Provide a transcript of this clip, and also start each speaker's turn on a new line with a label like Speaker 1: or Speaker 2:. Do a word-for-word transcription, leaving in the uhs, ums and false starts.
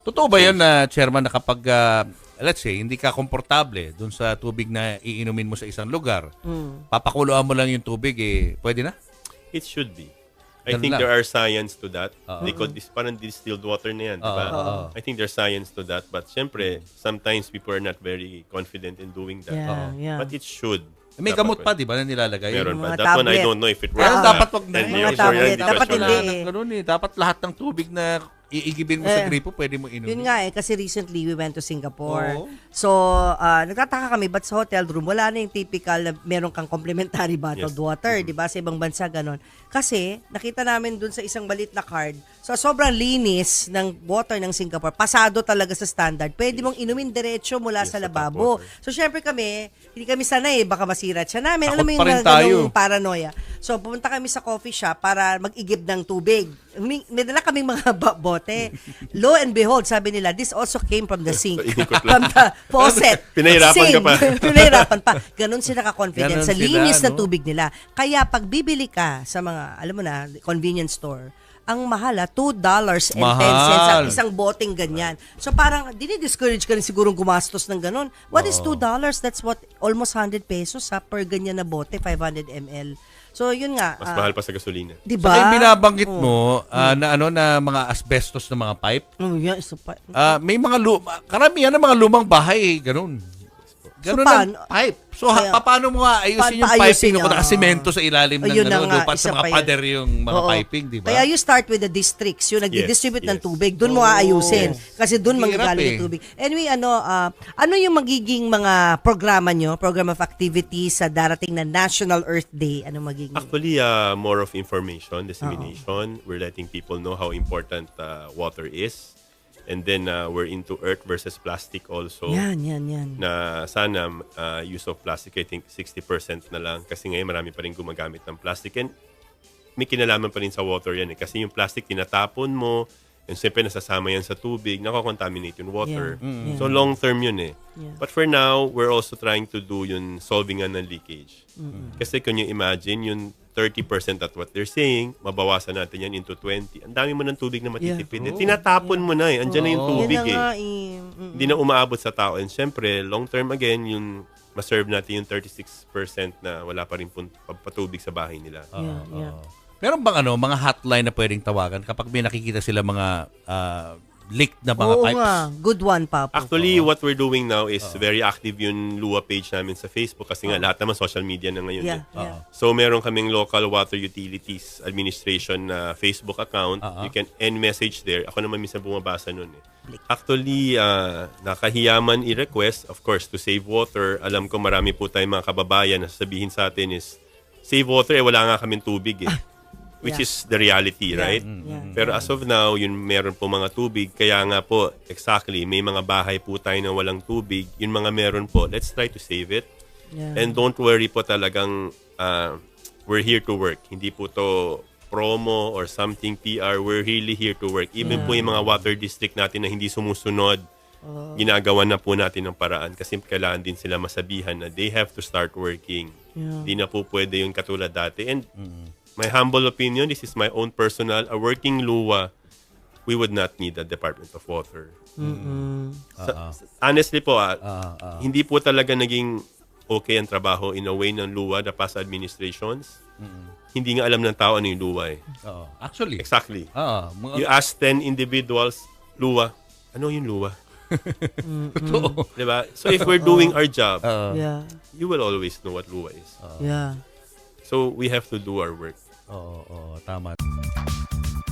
Speaker 1: Totoo ba yun na, Chairman, na kapag, ah, let's say, hindi ka komportable dun sa tubig na iinumin mo sa isang lugar,
Speaker 2: Mm.
Speaker 1: papakuluan mo lang yung tubig, eh, pwede na?
Speaker 3: It should be. I
Speaker 1: Ganun
Speaker 3: think
Speaker 1: lang.
Speaker 3: there are science to that.
Speaker 1: Oo.
Speaker 3: They call this parang distilled water na yan, di ba?
Speaker 1: Oo, oo.
Speaker 3: I think there's science to that. But syempre, sometimes people are not very confident in doing that.
Speaker 2: Yeah, yeah.
Speaker 3: But it should.
Speaker 1: May
Speaker 3: Dapat
Speaker 1: gamot
Speaker 3: pwede.
Speaker 1: pa, di ba, na nilalagay?
Speaker 3: Meron
Speaker 2: Yung
Speaker 3: pa.
Speaker 2: mga
Speaker 3: That one, I
Speaker 2: tablet.
Speaker 3: don't know if it works.
Speaker 1: Pero
Speaker 2: Ah.
Speaker 1: dapat wag na.
Speaker 3: ten
Speaker 1: Mga
Speaker 3: years
Speaker 2: tablet.
Speaker 3: already,
Speaker 2: Dapat
Speaker 3: because
Speaker 2: hindi
Speaker 3: wala.
Speaker 2: eh.
Speaker 1: Ganun eh. Dapat lahat ng tubig na iigibin mo sa
Speaker 2: Eh,
Speaker 1: gripo, pwede mo inumin.
Speaker 2: Yun nga eh, kasi recently we went to Singapore.
Speaker 1: Oo.
Speaker 2: So, ah, nagtataka kami, but sa hotel room, wala na yung typical na meron kang complimentary bottled
Speaker 3: Yes.
Speaker 2: water, di ba? Sa ibang bansa, ganon. Kasi, nakita namin dun sa isang balit na card, so sobrang linis ng water ng Singapore, pasado talaga sa standard. Pwede mong inumin diretso mula
Speaker 3: Yes,
Speaker 2: sa
Speaker 3: sa tap
Speaker 2: lababo.
Speaker 3: water.
Speaker 2: So, syempre kami, hindi kami sanay, baka masira siya namin.
Speaker 1: Takot
Speaker 2: Alam mo yung
Speaker 1: pa rin
Speaker 2: mga
Speaker 1: tayo.
Speaker 2: ganong paranoia. So, pumunta kami sa coffee shop para mag-igib ng tubig. May, may dala kaming mga ba- bote. Lo and behold, sabi nila, this also came from the sink.
Speaker 3: Inikot
Speaker 2: from the faucet.
Speaker 3: Pinahirapan ka
Speaker 2: Sink.
Speaker 3: pa.
Speaker 2: Pinahirapan pa. Ganon sila ka-confident
Speaker 1: Ganon
Speaker 2: sa
Speaker 1: sila,
Speaker 2: linis na
Speaker 1: no?
Speaker 2: tubig nila. Kaya pag bibili ka sa mga, alam mo na, convenience store, ang mahala, two dollars and ten cents ang
Speaker 1: Mahal.
Speaker 2: isang boteng ganyan. So parang, dinidiscourage ka rin sigurong gumastos ng ganon. What is two dollars? That's what, almost one hundred pesos ha, per ganyan na bote, five hundred milliliters. So yun nga.
Speaker 3: Mas
Speaker 2: ah,
Speaker 3: mahal pa sa gasolina.
Speaker 2: Di
Speaker 1: Saka
Speaker 2: ba?
Speaker 1: yung binabanggit
Speaker 2: Oh.
Speaker 1: mo, ah, na ano, na mga asbestos na mga pipe,
Speaker 2: Oh, yeah, isa pa.
Speaker 1: ah, may mga, luma, karamihan ng mga lumang bahay, eh, ganun. Ganun
Speaker 2: So,
Speaker 1: ang
Speaker 2: paano-
Speaker 1: pipe. So, ha,
Speaker 2: Kaya-
Speaker 1: pa- paano mo nga ayusin
Speaker 2: Pa-
Speaker 1: yung
Speaker 2: paayusin
Speaker 1: piping
Speaker 2: niya,
Speaker 1: kung nakasimento sa ilalim ng
Speaker 2: Ayun na
Speaker 1: ano,
Speaker 2: nga,
Speaker 1: lupa
Speaker 2: isa
Speaker 1: sa mga
Speaker 2: pa yun.
Speaker 1: pader yung mga
Speaker 2: Oo.
Speaker 1: piping, di ba?
Speaker 2: Kaya you start with the districts, yung nag-distribute
Speaker 3: Yes,
Speaker 2: ng
Speaker 3: yes.
Speaker 2: tubig, doon mo aayusin. Kasi doon
Speaker 1: Hirap
Speaker 2: manggagaling
Speaker 1: eh.
Speaker 2: yung tubig. Anyway, ano ah, ano yung magiging mga programa nyo, program of activities sa darating na National Earth Day? Ano magiging?
Speaker 3: Actually, uh, more of information, dissemination. We're letting people know how important uh, water is. And then uh, we're into earth versus plastic also.
Speaker 2: Yan, yan, yan.
Speaker 3: Na sana uh, use of plastic, I think sixty percent na lang. Kasi ngayon marami pa rin gumagamit ng plastic. And may kinalaman pa rin sa water yan eh. Kasi yung plastic, tinatapon mo. And siyempre nasasama yan sa tubig. Nakakontaminate yung water.
Speaker 2: Yeah, mm.
Speaker 3: So long term yun eh.
Speaker 2: Yeah.
Speaker 3: But for now, we're also trying to do yung solving nga ng leakage. Kasi kung you imagine, yung thirty percent at what they're saying, mabawasan natin yan into twenty. Ang dami mo ng tubig na matitipid.
Speaker 2: Yeah.
Speaker 3: Eh, tinatapon mo na eh. Andiyan na yung
Speaker 1: Oo.
Speaker 3: tubig
Speaker 2: Yan na
Speaker 3: eh.
Speaker 2: nga eh. Mm.
Speaker 3: Hindi na umaabot sa tao. And syempre, long term again, yung maserve natin yung thirty-six percent na wala pa rin pun- pa- patubig sa bahay nila.
Speaker 2: Yeah, yeah.
Speaker 1: Meron bang ano, mga hotline na pwedeng tawagan kapag may nakikita sila mga ah, leaked na mga
Speaker 2: Oo
Speaker 1: pipes?
Speaker 2: nga, good one, Papo.
Speaker 3: Actually, what we're doing now is very active yung Lua page namin sa Facebook kasi nga lahat naman social media na ngayon.
Speaker 2: Yeah,
Speaker 3: eh.
Speaker 2: yeah.
Speaker 3: So meron kaming local water utilities administration na Facebook account.
Speaker 1: Uh-huh.
Speaker 3: You can end message there. Ako naman minsan bumabasa nun eh. Actually, uh, nakahiyaman i-request, of course, to save water. Alam ko marami po tayong mga kababayan na sasabihin sa atin is, save water, eh wala nga kaming tubig eh. Which
Speaker 2: Yeah.
Speaker 3: is the reality,
Speaker 2: Yeah,
Speaker 3: right?
Speaker 2: yeah.
Speaker 3: Pero as of now, yun meron po mga tubig. Kaya nga po, exactly, may mga bahay po tayo na walang tubig. Yung mga meron po, let's try to save it.
Speaker 2: Yeah.
Speaker 3: And don't worry po talagang uh, we're here to work. Hindi po to promo or something P R. We're really here to work. Even
Speaker 2: Yeah.
Speaker 3: po yung mga water district natin na hindi sumusunod, ginagawa na po natin ng paraan kasi kailangan din sila masabihan na they have to start working.
Speaker 2: Yeah.
Speaker 3: Hindi na po pwede yung katulad dati. And my humble opinion, this is my own personal, a working luwa, we would not need a Department of Water. Sa- honestly po, ah, hindi po talaga naging okay ang trabaho in a way ng luwa, the past administrations. Hindi nga alam ng tao ano yung luwa eh.
Speaker 1: Oo. Actually.
Speaker 3: Exactly.
Speaker 1: Ah, mga
Speaker 3: You ask ten individuals, luwa, ano yung luwa?
Speaker 1: totoo.
Speaker 3: Diba? So if we're doing our job,
Speaker 2: Yeah,
Speaker 3: you will always know what luwa is.
Speaker 2: yeah.
Speaker 3: So we have to do our work.
Speaker 1: Oo, oo, tama.